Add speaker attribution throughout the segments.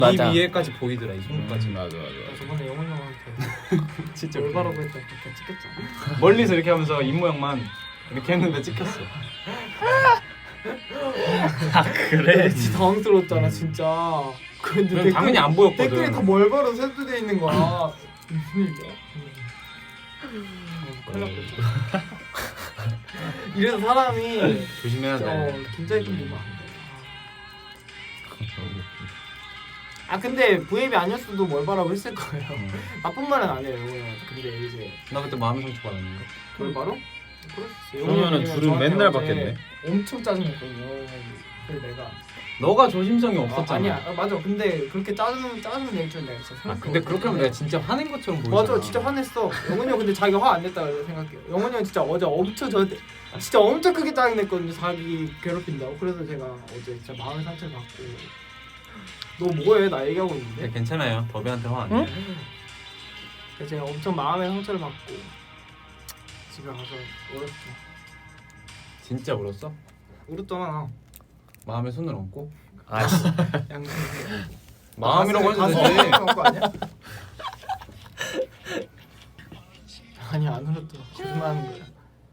Speaker 1: 이 위에까지 보이더라 이 손까지.
Speaker 2: 맞아.
Speaker 3: 저번에 영훈이 형한테
Speaker 1: 진짜
Speaker 3: 올바라고 했다 그때 찍혔잖아.
Speaker 1: 멀리서 이렇게 하면서 입 모양만 이렇게 했는데 찍혔어.
Speaker 4: 아 그래?
Speaker 3: 진짜 당황스러웠잖아 진짜. 근데
Speaker 1: 당연히 안 보였거든.
Speaker 3: 댓글이 다 멀바로 셋도돼 있는 거야. 무슨 일이야? 큰일 났겠다. 이래서 사람이
Speaker 1: 조심해야 돼.
Speaker 3: 긴장이 좀 되면 안 돼. 아 근데 V앱이 아니었어도 멀바라고 했을 거예요. 나쁜 말은 안 해요 영훈이한테. 근데 이제
Speaker 1: 나 그때 마음의 상처 받았는데.
Speaker 3: 멀바로?
Speaker 2: 그러면은 둘은 맨날 받겠네.
Speaker 3: 엄청 짜증냈거든요. 그래서 내가
Speaker 1: 너가 조심성이 없었잖아.
Speaker 3: 아니야 맞아. 근데 그렇게 짜증 낼 줄 내가 진짜
Speaker 1: 아 근데 그렇게 하면 내가 진짜 화낸 것처럼 보이잖아.
Speaker 3: 맞아 진짜 화냈어. 영훈이 형 근데 자기가 화 안 냈다고 생각해요. 영훈이 형 진짜 어제 엄청 저한테 진짜 엄청 크게 짜증냈거든요. 자기 괴롭힌다고. 그래서 제가 어제 진짜 마음의 상처를 받고. 너 뭐해? 나 얘기하고 있는데.
Speaker 1: 네, 괜찮아요. 더비한테 화 안 내.
Speaker 3: 그래서 제가 엄청 마음의 상처를 받고 집에 가서 울었죠.
Speaker 1: 진짜 울었어?
Speaker 3: 울었잖아.
Speaker 1: 마음에 손을 얹고?
Speaker 4: 아씨.
Speaker 3: 양심.
Speaker 1: 마음이라고 해도 되지.
Speaker 3: 거 아니야? 아니 안 울었더라. 거짓말하는 거야.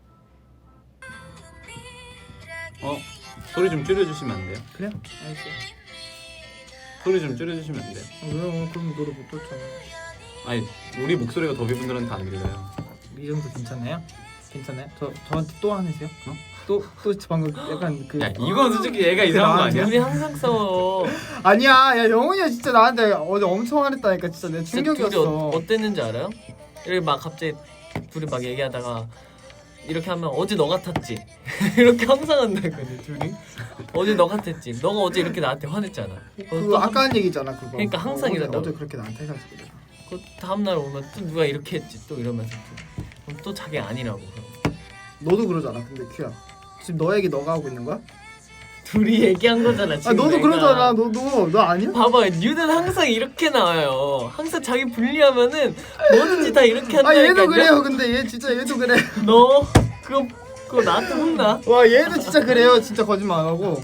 Speaker 1: 소리 좀 줄여주시면 안 돼요?
Speaker 3: 그래? 알았어.
Speaker 1: 소리 좀 줄여주시면 안 돼요?
Speaker 3: 왜 그럼 노래 못 듣잖아.
Speaker 1: 아니 우리 목소리가 더비분들한테 안 들려요.
Speaker 3: 이 정도 괜찮나요? 괜찮아요? 저한테 또 화내세요? 또 방금 약간 그
Speaker 1: 야 이건 솔직히 얘가 이상한 거 아니야?
Speaker 4: 우리 항상 싸워.
Speaker 3: 아니야 야 영훈이야 진짜 나한테 어제 엄청 화냈다니까 진짜 내
Speaker 4: 진짜 둘이
Speaker 3: 충격이었어.
Speaker 4: 어땠는지 알아요? 이렇게 막 갑자기 둘이 막 얘기하다가 이렇게 하면 어제 너 같았지. 이렇게 항상 한다거든 둘이. 어제 너 같았지. 너가 어제 이렇게 나한테 화냈잖아.
Speaker 3: 그거 아까 한 얘기잖아 그거.
Speaker 4: 그러니까 항상 이런다고.
Speaker 3: 어제 그렇게 나한테 해가지고 내가.
Speaker 4: 그 다음 날 오면 또 누가 이렇게 했지 또 이러면서 또, 그럼 또 자기 아니라고. 그럼.
Speaker 3: 너도 그러잖아 근데 큐야. 지금 너 얘기 너가 하고 있는 거야?
Speaker 4: 둘이 얘기한 거잖아
Speaker 3: 아
Speaker 4: 지금.
Speaker 3: 너도
Speaker 4: 내가.
Speaker 3: 그러잖아. 너 아니야?
Speaker 4: 봐봐 뉴는 항상 이렇게 나와요. 항상 자기 불리하면은 뭐든지 다 이렇게 한다니까.
Speaker 3: 아 얘도 그래요. 근데 얘 진짜 얘도 그래.
Speaker 4: 너 그거 나한테 혼나.
Speaker 3: 와 얘도 진짜 그래요. 진짜 거짓말 안 하고.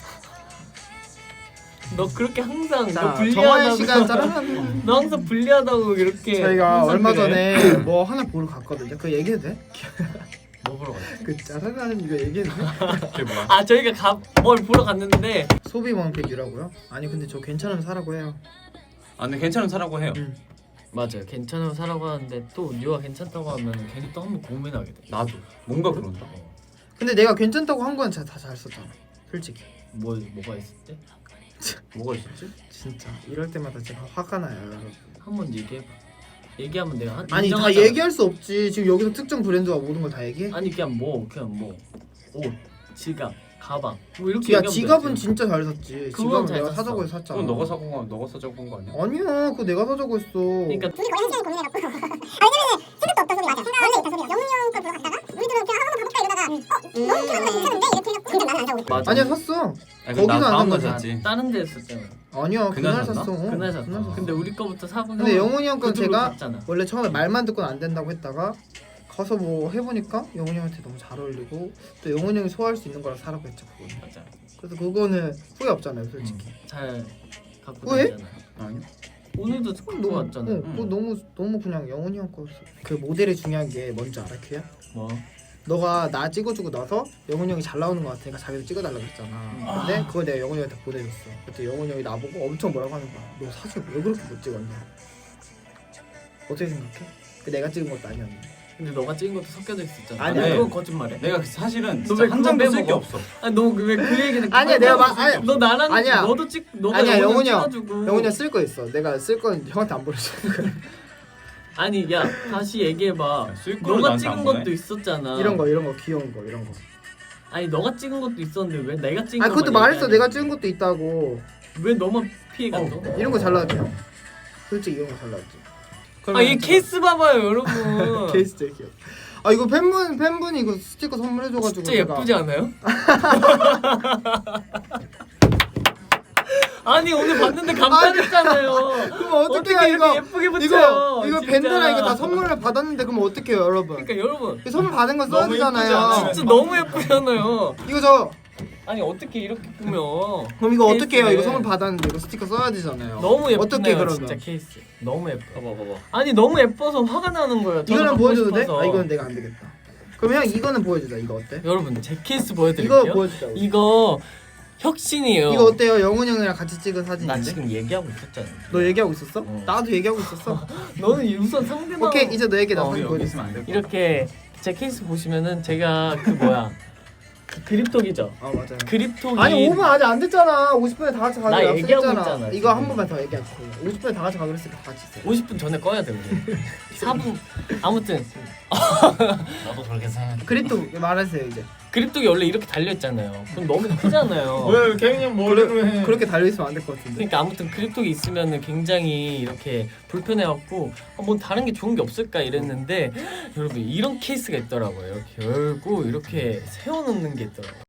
Speaker 4: 너 그렇게 항상
Speaker 3: 자
Speaker 4: 너
Speaker 3: 정화의
Speaker 4: 불리하다고.
Speaker 3: 시간 짜란.
Speaker 4: 너 항상 불리하다고 이렇게.
Speaker 3: 저희가
Speaker 4: 항상
Speaker 3: 얼마
Speaker 4: 그래.
Speaker 3: 전에 뭐 하나 보러 갔거든요. 그거 얘기해도 돼?
Speaker 4: 뭐 보러 갔지?
Speaker 3: 그 짜라라는 이거 얘기해도 돼?
Speaker 1: 그게 뭐야?
Speaker 4: 아 저희가 뭘 보러 갔는데
Speaker 3: 소비 왕팬이라고요? 아니 근데 저 괜찮으면 사라고 해요.
Speaker 1: 아 근데 괜찮은 사라고 해요.
Speaker 4: 맞아요. 괜찮으면 사라고 하는데 또 뉴가 괜찮다고 하면 괜히 또 한번 고민하게 돼.
Speaker 1: 나도 뭔가 그런다.
Speaker 3: 근데 내가 괜찮다고 한 건 진짜 다 잘 썼잖아. 솔직히.
Speaker 4: 뭐가 있을 때?
Speaker 1: 뭐가 있었지?
Speaker 3: 진짜 이럴 때마다 제가 화가 나요. 여러분.
Speaker 4: 한번 얘기해봐. 얘기하면 내가
Speaker 3: 아니 다
Speaker 4: 인정하잖아.
Speaker 3: 얘기할 수 없지. 지금 여기서 특정 브랜드와 모든 걸 다 얘기해?
Speaker 4: 아니 그냥 뭐 옷, 지갑, 가방 뭐 이렇게
Speaker 3: 야
Speaker 4: 얘기하면
Speaker 3: 지갑은
Speaker 4: 되지.
Speaker 3: 진짜 잘 샀지.
Speaker 4: 그건
Speaker 3: 지갑은
Speaker 4: 잘
Speaker 3: 내가
Speaker 4: 샀어.
Speaker 3: 사자고 해서 샀잖아.
Speaker 1: 그건 너가 사자고 한 거 아니야?
Speaker 3: 아니야 그거 내가 사자고 했어.
Speaker 4: 그러니까
Speaker 5: 둘이 거의 한 시간 고민해갖고 왜냐면 생각도 없던 소리 맞아. 원래 있던 소리야. 영훈이 형 걸 보러 갔다가 우리들은 그냥 한번 가볼까 이러다가 너무 피곤한 거 괜찮은데 이렇게 해갖고 근데 나는 안 사고 있어.
Speaker 4: 맞아.
Speaker 3: 아니야 샀어.
Speaker 1: 아니,
Speaker 3: 거기서
Speaker 1: 나
Speaker 3: 안
Speaker 1: 다음
Speaker 3: 산
Speaker 1: 날
Speaker 3: 거지.
Speaker 1: 샀지.
Speaker 4: 다른 데 했었잖아.
Speaker 3: 아니야
Speaker 1: 그날
Speaker 3: 그날
Speaker 1: 샀나?
Speaker 3: 샀어.
Speaker 4: 그날 샀어.
Speaker 3: 그날 샀어.
Speaker 4: 근데 우리 거부터 사고.
Speaker 3: 근데 영훈이 형 건
Speaker 4: 그쪽으로
Speaker 3: 제가
Speaker 4: 갔잖아.
Speaker 3: 원래 처음에 말만 듣고는 안 된다고 했다가 가서 뭐 해보니까 영훈이 형한테 너무 잘 어울리고 또 영훈이 형이 소화할 수 있는 거라 사라고 했죠 그거는.
Speaker 4: 맞아.
Speaker 3: 그래서 그거는 후회 없잖아요 솔직히.
Speaker 4: 잘 갖고
Speaker 3: 왜?
Speaker 4: 다니잖아.
Speaker 1: 아니요.
Speaker 4: 오늘도 갖고 왔잖아.
Speaker 3: 그거 너무 그냥 영훈이 형 거였어. 그 모델이 중요한 게 뭔지 알아 큐야?
Speaker 4: 뭐?
Speaker 3: 너가 나 찍어주고 나서 영훈이 형이 잘 나오는 거 같으니까 자기도 찍어달라고 했잖아. 근데 그걸 내가 영훈이 형한테 보내줬어. 그때 영훈이 형이 나보고 엄청 뭐라고 하는 거야. 너 사진 왜 그렇게 못 찍었냐? 어떻게 생각해? 그 내가 찍은 것도 아니었는데.
Speaker 4: 근데 너가 찍은 것도 섞여져 있었잖아.
Speaker 3: 아니,
Speaker 1: 아니,
Speaker 4: 그건 거짓말해.
Speaker 1: 내가 사실은
Speaker 4: 너
Speaker 1: 진짜
Speaker 4: 왜
Speaker 1: 한
Speaker 4: 그거
Speaker 1: 장도 쓸 게
Speaker 4: 빼먹어?
Speaker 1: 없어.
Speaker 4: 아니 너 왜 그 얘기는?
Speaker 3: 아니야, 내가 아니,
Speaker 4: 너 나랑
Speaker 3: 아니야.
Speaker 4: 너도 너가
Speaker 3: 아니야 영훈이 형.
Speaker 4: 찍어주고.
Speaker 3: 영훈이 형 쓸 거 있어. 내가 쓸 건 형한테 안 보내줘.
Speaker 4: 아니 야 다시 얘기해봐.
Speaker 1: 야, 쓸 거를
Speaker 4: 너가
Speaker 1: 나한테
Speaker 4: 찍은
Speaker 1: 안 보내?
Speaker 4: 것도 있었잖아.
Speaker 3: 이런 거 귀여운 거 이런 거.
Speaker 4: 아니 너가 찍은 것도 있었는데 왜 내가 찍은
Speaker 3: 아 그것도
Speaker 4: 것만
Speaker 3: 말했어.
Speaker 4: 얘기하냐.
Speaker 3: 내가 찍은 것도 있다고.
Speaker 4: 왜 너만 피해갔어?
Speaker 3: 이런 거 잘 나왔지 형. 솔직히 이런 거 잘 나왔지.
Speaker 4: 아 얘 케이스 봐봐요 여러분.
Speaker 3: 케이스 제일 귀여워. 아 이거 팬분이 이거 스티커 선물해줘가지고
Speaker 4: 진짜 예쁘지 않아요? 아니 오늘 봤는데 감탄했잖아요.
Speaker 3: 그럼 어떻게
Speaker 4: 이렇게
Speaker 3: 이거
Speaker 4: 예쁘게 붙여요?
Speaker 3: 이거
Speaker 4: 진짜.
Speaker 3: 밴드랑 이거 다 선물을 받았는데 그럼 어떡해요 여러분?
Speaker 4: 그러니까 여러분
Speaker 3: 이 선물 받은 거 써야
Speaker 1: 너무 예쁘지 않아?
Speaker 3: 되잖아요.
Speaker 4: 진짜 너무 예쁘잖아요.
Speaker 3: 이거 저
Speaker 4: 아니 어떻게 이렇게 꾸며?
Speaker 3: 그럼 이거 어떻게 해요?
Speaker 4: 케이스를.
Speaker 3: 이거 선물 받았는데 이거 스티커 써야 되잖아요.
Speaker 4: 너무 예쁘네요.
Speaker 3: 어떻게 그러면?
Speaker 4: 진짜 케이스. 너무 예뻐.
Speaker 2: 봐봐.
Speaker 4: 아니 너무 예뻐서 화가 나는 거예요. 저도
Speaker 3: 이거는
Speaker 4: 갖고
Speaker 3: 보여줘도 돼?
Speaker 4: 싶어서.
Speaker 3: 아 이건 내가 안 되겠다. 그럼 형 이거는 보여주자. 이거 어때?
Speaker 4: 여러분 제 케이스 보여드릴게요.
Speaker 3: 이거 보여주자. 우리.
Speaker 4: 이거 혁신이에요.
Speaker 3: 이거 어때요? 영훈 형이랑 같이 찍은
Speaker 4: 나
Speaker 3: 사진인데?
Speaker 4: 지금 얘기하고 있었잖아.
Speaker 3: 너 얘기하고 있었어?
Speaker 4: 어.
Speaker 3: 나도 얘기하고 있었어.
Speaker 4: 너는 우선 상대방.
Speaker 3: 오케이 이제 너 얘기 나
Speaker 4: 어,
Speaker 3: 사진
Speaker 2: 여기
Speaker 3: 보여줘.
Speaker 2: 있으면 안 돼.
Speaker 4: 이렇게 제 케이스 보시면은 제가 그 뭐야 그 그립톡이죠.
Speaker 3: 아 맞아요.
Speaker 4: 그립톡이
Speaker 3: 아니 5분 아직 안 됐잖아. 50분에 다 같이
Speaker 4: 나
Speaker 3: 가기로
Speaker 4: 얘기하고
Speaker 3: 약속했잖아.
Speaker 4: 있잖아,
Speaker 3: 이거 한
Speaker 4: 지금.
Speaker 3: 번만 더 얘기하자. 50분에 다 같이 가기로 했으니까 다 같이 있어.
Speaker 4: 50분 전에 꺼야 돼 우리. 4분 아무튼
Speaker 2: 나도 그렇게 생각해.
Speaker 3: 그립도 말하세요 이제.
Speaker 4: 그립톡이 원래 이렇게 달려 있잖아요. 그럼 너무 크잖아요.
Speaker 2: 왜 케빈 형 뭐라고 해?
Speaker 3: 그렇게 달려있으면 안 될 것 같은데.
Speaker 4: 그러니까 아무튼 그립톡이 있으면은 굉장히 이렇게 불편해갖고 뭐 다른 게 좋은 게 없을까 이랬는데 여러분 이런 케이스가 있더라고요. 이렇게 열고 이렇게 세워놓는 게 있더라고요.